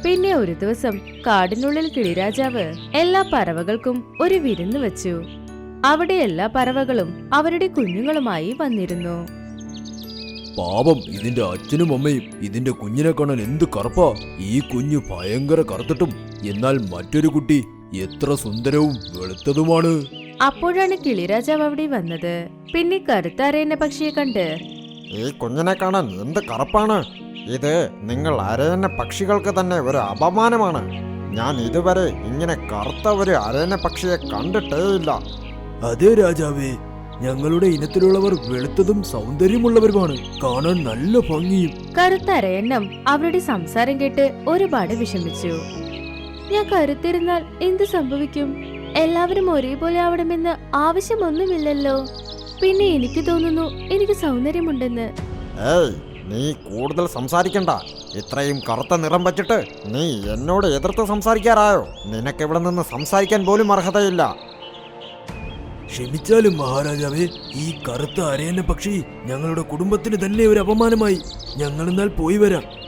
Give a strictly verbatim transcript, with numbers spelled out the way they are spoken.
പിന്നെ ഒരു ദിവസം കാടിനുള്ളിൽ കിളിരാജാവ് എല്ലാ പറവകൾക്കും ഒരു വിരുന്ന് വെച്ചു. അവിടെ എല്ലാ പറവകളും അവരുടെ കുഞ്ഞുങ്ങളുമായി വന്നിരുന്നു. പാപം, ഇതിന്റെ അച്ഛനും അമ്മയും ഇതിന്റെ കുഞ്ഞിനെ കാണാൻ എന്ത് കറുപ്പാ. ഈ കുഞ്ഞു ഭയങ്കര കറുത്തിട്ടും എന്നാൽ മറ്റൊരു കുട്ടി എത്ര സുന്ദരവും വെളുത്തതുമാണ്. അപ്പോഴാണ് കിളിരാജാവ് അവിടെ വന്നത്. പിന്നെ കറുത്ത അരയന്ന പക്ഷിയെ കണ്ട്, ഈ കുഞ്ഞിനെ കാണാൻ എന്ത് കറുപ്പാണ്. ഇത് നിങ്ങൾ അരയന്ന പക്ഷികൾക്ക് തന്നെ ഒരു അപമാനമാണ്. ഞാൻ ഇതുവരെ ഇങ്ങനെ കറുത്ത ഒരു അരയന്ന പക്ഷിയെ കണ്ടിട്ടേയില്ല. അതെ രാജാവേ, ഞങ്ങളുടെ ഇനത്തിലുള്ളവർ വെളുത്തതും സൗന്ദര്യമുള്ളവരുമാണ്. കാണാൻ നല്ല ഭംഗിയും. കറുത്ത അരയന്നം അവരുടെ സംസാരം കേട്ട് ഒരുപാട് വിഷമിച്ചു. ഞാൻ കരുത്തിരുന്നാൽ എന്ത് സംഭവിക്കും? എല്ലാവരും ഒരേപോലെ ആവണമെന്ന് ആവശ്യമൊന്നുമില്ലല്ലോ. പിന്നെ എനിക്ക് തോന്നുന്നു എനിക്ക് സൗന്ദര്യമുണ്ടെന്ന്. ഏയ്, നീ കൂടുതൽ സംസാരിക്കണ്ട. ഇത്രയും കറുത്ത നിറം വച്ചിട്ട് നീ എന്നോട് എതിർത്ത് സംസാരിക്കാറായോ? നിനക്കിവിടെ നിന്ന് സംസാരിക്കാൻ പോലും അർഹതയില്ല. ക്ഷമിച്ചാലും മഹാരാജാവേ, ഈ കറുത്ത അരയന്ന പക്ഷി ഞങ്ങളുടെ കുടുംബത്തിന് തന്നെ ഒരു അപമാനമായി. ഞങ്ങൾ എന്നാൽ പോയി വരാം.